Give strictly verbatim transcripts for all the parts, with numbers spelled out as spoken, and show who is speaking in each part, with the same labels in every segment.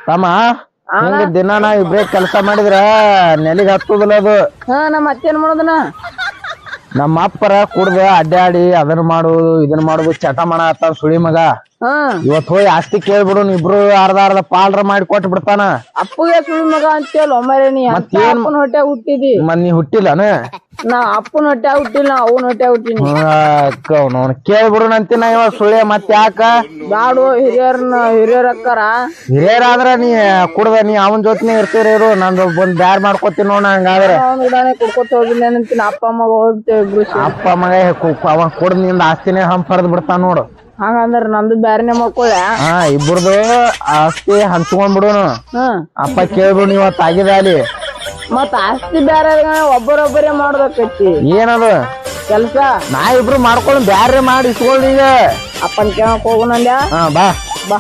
Speaker 1: ತಮ್ಮ ಹಿಂಗ ದಿನ ನಾ ಇಬ್ರೇ ಕೆಲಸ ಮಾಡಿದ್ರ ನೆಲಿಗ್ ಹತ್ತುದಿಲ್ಲ ಅದು.
Speaker 2: ಹಾ ನಮ್ಮ ಅತ್ತೇನ್ ಮಾಡೋದನ
Speaker 1: ನಮ್ಮ ಅಪ್ಪರ ಕುಡ್ದ ಅಡ್ಡಾಡಿ ಅದನ್ನ ಮಾಡುದು ಇದನ್ನ ಮಾಡುದು ಚಟ ಮಾಡತ್ತ ಸುಳಿ ಮಗ.
Speaker 2: ಹಾ
Speaker 1: ಇವತ್ ಹೋಗಿ ಆಸ್ತಿ ಕೇಳ್ಬಿಡು ಇಬ್ರು ಅರ್ಧ ಅರ್ಧ ಪಾಲ್ರ ಮಾಡಿ ಕೊಟ್ಟು ಬಿಡ್ತಾನ.
Speaker 2: ಅಪ್ಪಗೆ ಸುಳಿ ಮಗ ಅಂತೇಳ ಒಮ್ಮೆ ನೀ ಅಪ್ಪನ ಹೊಟ್ಟೆ ಹುಟ್ಟಿದಿ
Speaker 1: ಮತ್ ನೀ ಹುಟ್ಟಿಲ್ಲನ?
Speaker 2: ನಾ ಅಪ್ಪನ ಹೊಟ್ಟೆ ಹುಟ್ಟಿಲ್ಲ ಅವನ ಹೊಟ್ಟೆ ಹುಟ್ಟಿನಿ.
Speaker 1: ಕೇಳ್ಬಿಡು ಅಂತಿನ ಇವ ಸುಳ್ಳೆ ಮತ್ ಯಾಕ
Speaker 2: ಬ್ಯಾಡು ಹಿರಿಯರ್ನ ಹಿರಿಯರ್ ಅಕ್ಕಾರ
Speaker 1: ಹಿರಿಯರಾದ್ರ ನೀ ಕುಡ್ದ ನೀ ಅವನ್ ಜೊತೆನೆ ಇರ್ತೀರಿ ಇರು. ನಂದು ಬಂದ್ ಬ್ಯಾರ್ ಮಾಡ್ಕೊತೀನಿ ನೋಡ. ಹಂಗಾದ್ರೆ
Speaker 2: ಅವ್ನ ಗುಡಾನೆ ಕುಡ್ಕೊತ ಹೋಗಿಲ್ಲ ಅಂತೀನಿ. ಅಪ್ಪ ಮಗ ಹೋಗ್ತೇವೆ ಇಬ್ರು.
Speaker 1: ಅಪ್ಪ ಮಗ ಅವ ಕುಡ್ದ ನಿಂದ ಆಸ್ತಿನೇ ಹಂಪರ್ದ್ ಬಿಡ್ತಾನ ನೋಡು.
Speaker 2: ಹಂಗಂದ್ರ ನಮ್ದು ಬ್ಯಾರನೆ ಮಾಡ್ಕೊಳ್ಳ.
Speaker 1: ಹಾ ಇಬ್ರದು ಆಸ್ತಿ ಹಂಚ್ಕೊಂಡ್ಬಿಡುನು. ಅಪ್ಪ ಕೇಳ್ಬಿಡು ನೀವ್ ತಾಗಿದ ಅಲ್ಲಿ
Speaker 2: ಮತ್ ಆಸ್ತಿ ಬ್ಯಾರೆ ಒಬ್ಬರೊಬ್ಬರೇ ಮಾಡ್ಬೇಕೈತಿ.
Speaker 1: ಏನದು
Speaker 2: ಕೆಲ್ಸ
Speaker 1: ನಾ ಇಬ್ರು ಮಾಡ್ಕೊಂಡು ಬ್ಯಾರೆ ಮಾಡಿ ಇಸ್ಕೊಳ್ಳಿ ಈಗ.
Speaker 2: ಅಪ್ಪನ್ ಕೇಳಕ್ ಹೋಗುನಂದ್ಯಾ?
Speaker 1: ಹಾ ಬಾ
Speaker 2: ಬಾ.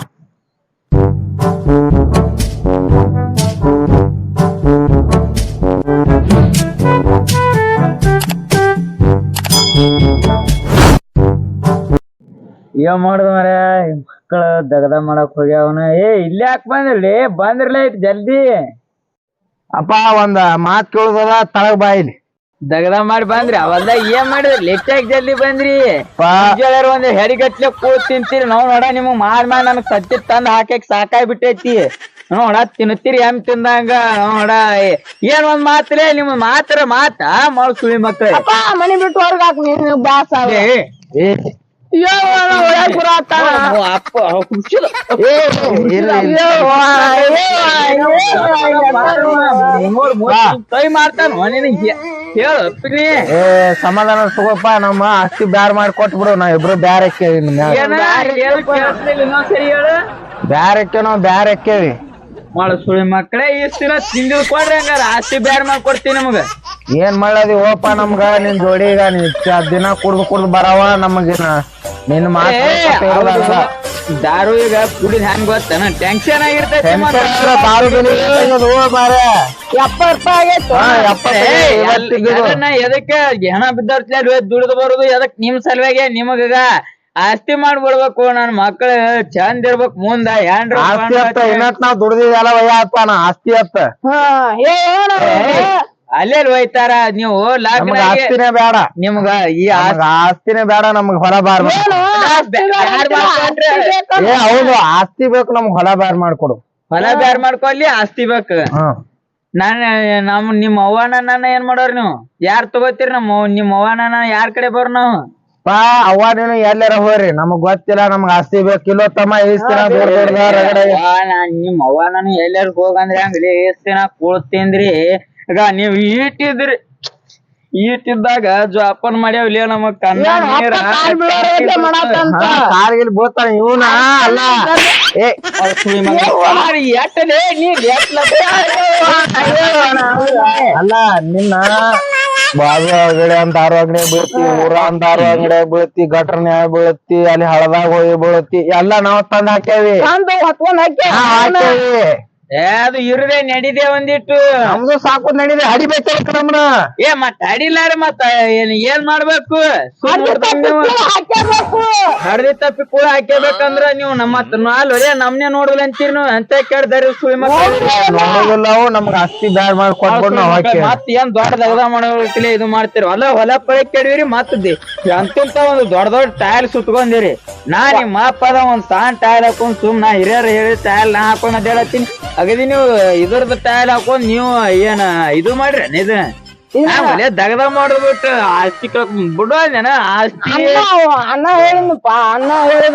Speaker 3: ಏನ್ ಮಾಡುದ ಮರ ಮಕ್ಕಳ ದಗದ ಮಾಡಕ್ ಹೋಗ್ಯಾವನ. ಏ ಇಲ್ಲಿ ಯಾಕೆ ಬಂದಿರ್ಲಿ? ಬಂದಿರ್ಲ ಐತಿ ಜಲ್ದಿ.
Speaker 1: ಅಪ್ಪ ಒಂದ್ ಮಾತ್ ಕೇಳುದದ ತಳಗ್ ಬಾ ಇಲ್ಲಿ.
Speaker 3: ದಗದ ಮಾಡಿ ಬಂದ್ರಿ ಅವಲ್ದ ಏನ್ ಮಾಡಿದ್ರಿ? ಲೆಟ್ಟಾಗಿ ಜಲ್ದಿ ಬಂದ್ರಿ. ಒಂದ್ ಹೆರಿಗಟ್ಲೆ ಕೂತ್ ತಿಂತೀರಿ ನಾವ್ ನೋಡ. ನಿಮಗ್ ಮಾಡ್ ಮಾಡಿ ನನಗ್ ಸತ್ತಿ ತಂದ್ ಹಾಕಕ್ ಸಾಕಾಗಿ ಬಿಟ್ಟೈತಿ. ನೋಡ ತಿನ್ನುತ್ತೀರಿ ಎಮ್ ತಿಂದಂಗ. ನೋಡ ಏನ್ ಒಂದ್ ಮಾತ್ರೆ ನಿಮ್ ಮಾತ್ರ ಮಾತ ಮಾಡ್ ಸುಳಿ ಮಕ್ಳ.
Speaker 2: ಮನಿ ಬಿಟ್ಟು ಹೊರಗ್ ಹಾಕ್ ನೀನು ಬಾಸ.
Speaker 3: ಕೈ ಮಾಡ್ತಾನ ಹೇಳು.
Speaker 1: ಸಮಾಧಾನ ತಗೋಪ್ಪ. ನಮ್ಮ ಆಸ್ತಿ ಬ್ಯಾರ್ ಮಾಡಿ ಕೊಟ್ಬಿಡು. ನಾ ಇಬ್ರು ಬ್ಯಾರೆ ಕೇಳಿ
Speaker 3: ಸರಿ ಹೇಳು.
Speaker 1: ಬ್ಯಾರೆ ಕೇಳೋ ಬ್ಯಾರೆ ಕೇಳಿ
Speaker 3: ಮಾಡ ಸುಳಿ ಮಕ್ಕಳೇ. ಇಷ್ಟ ದಿನ ತಿಂದಿದ್ ಕೊಡ್ರಿ ಹಂಗಾರ ಆಸ್ತಿ ಬ್ಯಾರ ಮಾಡ್ಕೊಡ್ತೀನಿ ನಮಗ.
Speaker 1: ಏನ್ ಮಾಡದಿ ಓಪ ನಮ್ಗ ನಿನ್ ಜೋಡಿ ಈಗ ನೀ ದಿನ ಕುಡ್ದು ಕುಡ್ದು ಬರವ ನಮಗಿನ ನಿನ್ ಮಾತು
Speaker 3: ದಾರು ಈಗ ಕುಡಿದ್ ಹೆಂಗ್ ಗೊತ್ತನ ಟೆನ್ಷನ್ ಆಗಿರ್ತೈತಿ. ಎದಕ್ಕೆ ಹೆಣ ಬಿದ್ದರ್ಸ್ಲ ದುಡಿದು ಬರುದು ಎದಕ್ ನಿಮ್ ಸಲುವಾಗಿ ನಿಮಗ ಆಸ್ತಿ ಮಾಡ್ಬಿಡ್ಬೇಕು. ನನ್ ಮಕ್ಳು ಚಂದ ಇರ್ಬೇಕು ಮುಂದ. ಏನ್ರ
Speaker 1: ನಾವ್ ದುಡ್ದಿದ್ ಎಲ್ಲ ವಯ್ಯಪ್ಪಾನ ಆಸ್ತಿ ಅತ್ತ
Speaker 3: ಅಲ್ಲೇ ಒಯ್ತಾರ ನೀವು.
Speaker 1: ಆಸ್ತಿನೇ ಬೇಡ
Speaker 3: ನಿಮ್ಗ ಈ
Speaker 1: ಆಸ್ತಿನೇ ಬೇಡ ನಮ್ಗ್ ಹೊಲ ಬಾರ್. ಏ ಹೌದು ಆಸ್ತಿ ಬೇಕು ನಮ್ಗ್ ಹೊಲ ಬಾರ್ ಮಾಡ್ಕೊಡು.
Speaker 3: ಹೊಲ ಬ್ಯಾರ್ ಮಾಡ್ಕೊಲ್ಲಿ ಆಸ್ತಿ ಬೇಕು. ನಾನ್ ನಮ್ ನಿಮ್ ಅವ್ವನ ನನ್ನ ಏನ್ ಮಾಡೋರ್ ನೀವು? ಯಾರ್ ತಗೋತೀರಿ? ನಮ್ಮ ನಿಮ್ ಅವ್ವನ ಯಾರ್ ಕಡೆ ಬರ್ ನಾವು?
Speaker 1: ಪಾ ಅವ್ವ ನೀನು ಎಲ್ಲಾರ ಹೋಗ್ರಿ ನಮಗ್ ಗೊತ್ತಿಲ್ಲ. ನಮ್ಗ್ ಆಸ್ತಿ ಬೇಕಿಲ್ಲೋ ತಮ್ಮ.
Speaker 3: ನಾನ್ ನಿಮ್ ಅವ್ವ ನಾನು ಎಲ್ಲಾರ ಹೋಗಂದ್ರಿ ಹಂಗ್ಲಿ ಎಷ್ಟ್ ದಿನ ಕೂಳ್ತೀನ್ರಿ. ಈಗ ನೀವ್ ಈಟಿದ್ರಿ ಈಟಿದ್ದಾಗ ಜೋಪಾನ ಮಾಡ್ಯಾವಲಿ ನಮಗ್ ಕಣ್ಣ ನೀರ
Speaker 1: ಕಾರ್ಗಿಲ್ ಬೋತಾನ ಇವನ ಅಲ್ಲ. ಅಲ್ಲ ನಿನ್ನ ಬಾಜು ಅಂಗಡಿ ಅಂತ ಆರು ಅಂಗಡಿ ಬೀಳ್ತಿ, ಊರ ಅಂತ ಆರು ಅಂಗಡಿ ಬೀಳ್ತಿ, ಗಟ್ರನ್ಯಾಗ ಬೀಳತಿ, ಅಲ್ಲಿ ಹಳದಾಗ ಹೋಗಿ ಬೀಳತಿ ಎಲ್ಲಾ ನಾವ್ ತಂದ್ ಹಾಕ್ಯಾವಿ. ಹಾಕ್ಯಾವಿ
Speaker 3: ಏ ಅದು ಇರದೆ ನಡಿದೆ ಒಂದಿಟ್ಟು.
Speaker 1: ನಮ್ದು ಸಾಕು ನಡಿದೆ ಹಡಿಬೇಕು ನಮ್ನ.
Speaker 3: ಏ ಮತ್ ಹಡಿಲಾರ ಮತ್ತ ಏನ್ ಏನ್ ಮಾಡ್ಬೇಕು? ಹಡ್ದಿ ತಪ್ಪಿ ಕೂಡ ಹಾಕ್ಯಬೇಕಂದ್ರ ನೀವು ನಮ್ಮ ಅಲ್ವರೇ ನಮ್ನೆ ನೋಡಲ್ಲ ಅಂತೀರಿ ನೀವು. ಅಂತ ಕೇಳ್ದಾರಿ ಸುಳಿ
Speaker 1: ನೋಡೋದಿಲ್ಲವು ನಮ್ಗ ಆಸ್ತಿ ಬ್ಯಾಡ್ ಮಾಡಿ ಕೊಟ್ಬಿಡ್ ನಾವ್ ಹಾಕಿ
Speaker 3: ಮತ್ ಏನ್ ದೊಡ್ಡ ದಗದ ಮಾಡೋಕ್ಕಿಲ್ಲ ಇದು ಮಾಡ್ತೀರಿ. ಹೊಲ ಹೊಲ ಪಳಿ ಕೆಡವಿರಿ ಮತ್ತದಿ ಅಂತಂತ ಒಂದು ದೊಡ್ಡ ದೊಡ್ಡ ಟೈಲ್ ಸುತ್ಕೊಂಡಿರಿ. ನಾ ನಿಮ್ಮ ಅಪ್ಪದ ಒಂದ್ ಸಾನ್ ಟೈಲ್ ಹಾಕೊಂಡ್ ಸುಮ್ ನಾ ಹಿರಿಯರ್ ಹೇಳಿ ಟೈಲ್ ನಾ ಹಾಕೊಂಡ್ ಅದ್ ಹೇಳತ್ತೀನಿ. ಅಗದಿ ನೀವು ಇದ್ರದ್ದು ಟೈಲ್ ಹಾಕೊಂಡ್ ನೀವು ಏನ ಇದು ಮಾಡ್ರಿ ಇದು ಆಮೇಲೆ ದಗದ ಮಾಡ್ಬಿಟ್ಟು ಆಸ್ತಿ ಬಿಡೋದೇನ ಆಸ್ತಿ.
Speaker 2: ಅಣ್ಣ ಹೇಳಿನಪ್ಪ ಅಣ್ಣ ಹೇಳಿದ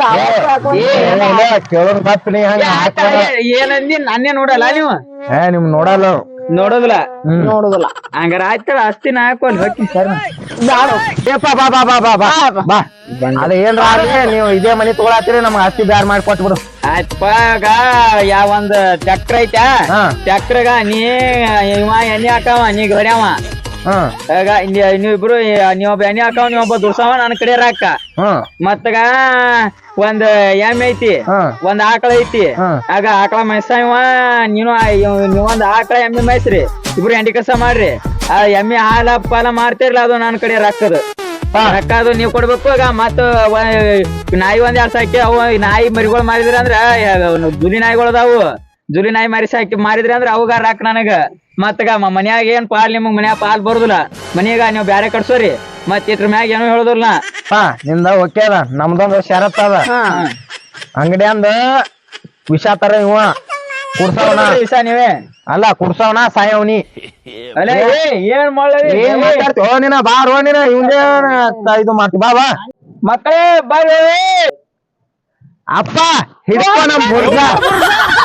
Speaker 3: ಏನಂದಿ ನನ್ನೇ ನೋಡಲ್ಲ ನೀವು?
Speaker 1: ಏ ನಿಮ್ ನೋಡಲ್ಲ
Speaker 3: ನೋಡೋದಿಲ್ಲ
Speaker 2: ನೋಡುದಿಲ್ಲ.
Speaker 3: ಹಂಗಾರ ಆಯ್ತಲ್ಲ ಆಸ್ತಿನ ಹಾಕೊಂಡ್ ಹೋಗಿ ಸರ್.
Speaker 1: ಅದ ಏನ್ರ ನೀವು ಇದೇ ಮನಿ ತಗೊಳತ್ತೀರಿ ನಮ್ಗ ಆಸ್ತಿ ಬ್ಯಾರ್ ಮಾಡಿ ಕೊಟ್ಬಿಡು.
Speaker 3: ಆಯ್ತಪ್ಪ ಈಗ ಯಾವ ಒಂದ್ ಟ್ರ್ಯಾಕ್ಟರ್ ಐತಾ ಟ್ರ್ಯಾಕ್ಟರ್ಗ ನೀ ಇವ ಎಣ್ಣೆ ಹಾಕವ ನೀ ಹೊಡ್ಯಾವ. ಈಗ ನೀವಿಬ್ರು ನೀವೊಬ್ಬ ಎಣ್ಣೆ ಹಾಕವ ನೀವೊಬ್ಬ ದುಡ್ಸವ ನನ್ ಕಡೆ ರಾಕ. ಮತ್ತಗ ಒಂದ್ ಎಮ್ಮೆ ಐತಿ ಒಂದ್ ಆಕಳ ಐತಿ. ಆಗ ಆಕಳ ಮೈಸವ ನೀನು ನೀವೊಂದ್ ಆಕಳ ಎಮ್ಮೆ ಮೈಸ್ರಿ ಇಬ್ರು ಎಂಡಿ ಕೆಲಸ ಮಾಡ್ರಿ. ಆ ಎಮ್ಮೆ ಹಾಲ ಪಾಲ ಮಾಡ್ತಿರ್ಲ ಅದು ನನ್ ಕಡೆ ರೊಕ್ಕದು ರೊಕ್ಕ ಅದು ನೀವ್ ಕೊಡ್ಬೇಕು. ಈಗ ಮತ್ತ ನಾಯಿ ಒಂದ್ ಎರಡ್ ಸಾಕಿ ಅವು ನಾಯಿ ಮರಿಗಳು ಮಾಡಿದ್ರ ಅಂದ್ರ ದುಲಿ ನಾಯಿಗಳು ಅದಾವು ಜುಲಿ ನಾಯಿ ಮಾರಿಸಿ ಹಾಕಿ ಮಾರಿದ್ರಿ ಅಂದ್ರ ಅವುಗಾರ ಹಾಕ್ ನನಗ ಮತ್ತಗ ಮನ್ಯಾಗ ಏನ್ ಪಾಲ್ ನಿಮಗ್ ಮನ್ಯಾಗ ಪಾಲ್ ಬರುದಿಲ್ಲ ಮನ್ಯಾಗ ನೀವ್ ಬ್ಯಾರೆ ಕಟ್ಸೋರಿ ಮತ್ ಇದ್ರ ಮ್ಯಾಗ ಏನೋ ಹೇಳುದಿಲ್ಲ
Speaker 1: ಹಾ ನಿಂದ ಓಕೆ ಅದ ನಮ್ದೊಂದು ಷರತ್ ಅದ ಅಂಗಡಿ ಅಂದ ವಿಷ ತರ ಇವ ಕುಡ್ಸವನ
Speaker 3: ವಿಷ ನೀವೇ
Speaker 1: ಅಲ್ಲ ಕುಡ್ಸವನ ಸಾಯವನಿ
Speaker 3: ಅಲ್ಲ ಏನ್ ಮಾಡ್ಲಿ
Speaker 1: ಏನ್ ಮಾತಾಡ್ತಿ ಓ ನೀನ ಬಾ ರೋ ನೀನ ಇವಂದೇ ಇದು ಮಾಡ್ತಿ ಬಾ ಬಾ
Speaker 3: ಮಕ್ಕಳೇ ಬರ್ರಿ
Speaker 1: ಅಪ್ಪ ಹಿಡ್ಕೊ ನಮ್ ಹುಡ್ಗ